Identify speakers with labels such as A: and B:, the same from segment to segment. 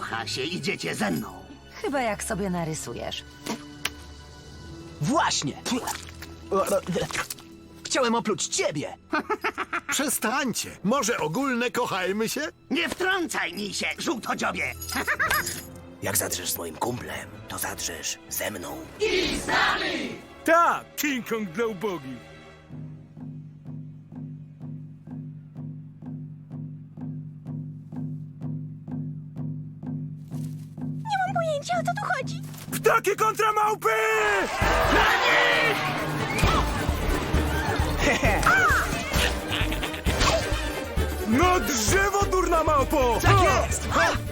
A: Kocha się, idziecie ze mną.
B: Chyba jak sobie narysujesz.
C: Właśnie! Chciałem opluć ciebie!
D: Przestańcie. Może ogólne kochajmy się?
A: Nie wtrącaj mi się, żółtodziobie!
C: Jak zadrzesz z moim kumplem, to zadrzesz ze mną.
E: Tak, King Kong dla ubogich.
F: Nie mam pojęcia, o co tu chodzi.
E: Ptaki kontra małpy! No drzewo, durna małpo!
C: Tak jest!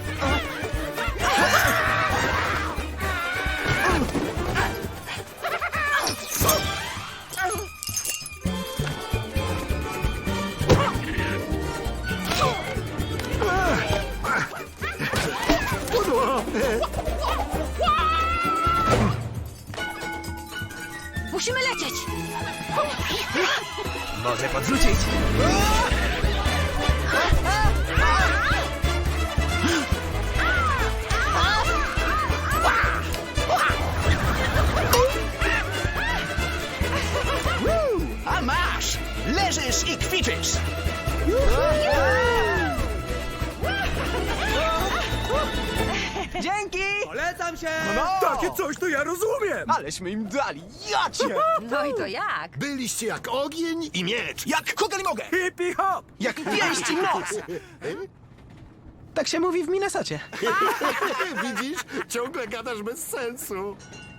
B: Musimy lecieć!
C: Może podrzucić. A masz! Leżysz i kwiczysz! Dzięki!
E: Polecam się!
C: No.
E: Takie coś to ja rozumiem!
C: Aleśmy im dali, jacie!
B: No i to jak?
D: Byliście jak ogień i miecz.
C: Jak kugel mogę!
E: Hippie hop!
C: Jak pięść i moc! Tak się mówi w Minnesocie.
D: Widzisz? Ciągle gadasz bez sensu.